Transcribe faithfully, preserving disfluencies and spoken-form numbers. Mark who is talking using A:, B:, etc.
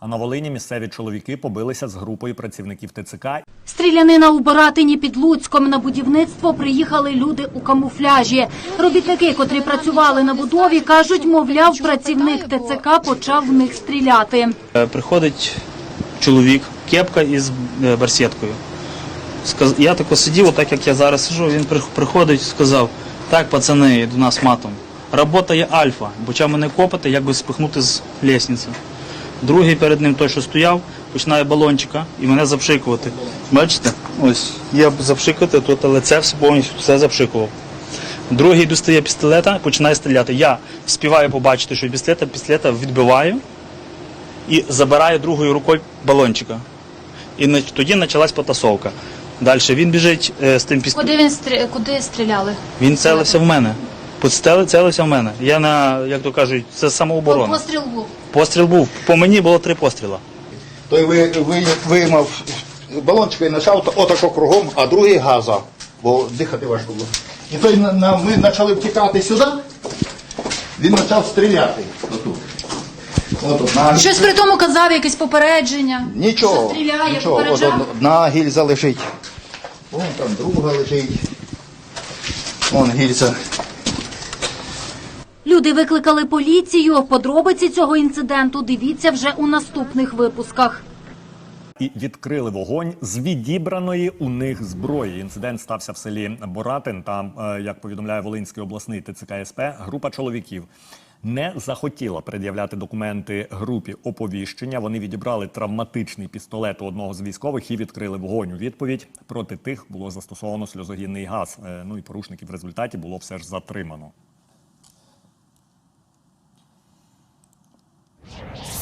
A: А на Волині місцеві чоловіки побилися з групою працівників ТЦК.
B: Стрілянина у Боратині під Луцьком. На будівництво приїхали люди у камуфляжі. Робітники, котрі працювали на будові, кажуть, мовляв, працівник ТЦК почав в них стріляти.
C: Приходить чоловік, кепка із барсеткою. Я тако сидів, отак як я зараз сиджу, він приходить і сказав: так, пацани, до нас матом. Робота є альфа, почав мене копати, як би спихнути з лестниці. Другий перед ним, той, що стояв, починає балончика і мене запшикувати. Бачите? Ось, я запшикувати, тут лице все повністю все запшикував. Другий достає пістолета, починає стріляти. Я співаю побачити, що пістолета, пістолета відбиваю і забираю другою рукою балончика. І тоді почалась потасовка. Далі він біжить е, з тим пістолетом.
B: Куди він стрі... Куди стріляли?
C: Він целився в мене. Підстели, целився в мене. Я на, як то кажуть, це самооборона.
B: Постріл був?
C: Постріл був. По мені було три постріла.
D: Той ви, ви, виймав балончик і почав отако кругом, а другий газа, бо дихати важко було. І той на, на, ми почали втікати сюди, він почав стріляти. Отут. От, на...
B: Щось при тому казав, якесь попередження?
D: Нічого,
B: Що стріляє,
D: нічого. От,
B: попереджав?
D: одна гільза лежить. Вон там друга лежить. Вон гільза.
B: Люди викликали поліцію. Подробиці цього інциденту дивіться вже у наступних випусках.
A: І відкрили вогонь з відібраної у них зброї. Інцидент стався в селі Боратин. Там, як повідомляє Волинський обласний ТЦК СП, група чоловіків не захотіла пред'являти документи групі оповіщення. Вони відібрали травматичний пістолет у одного з військових і відкрили вогонь. У відповідь проти тих було застосовано сльозогінний газ. Ну і порушників в результаті було все ж затримано.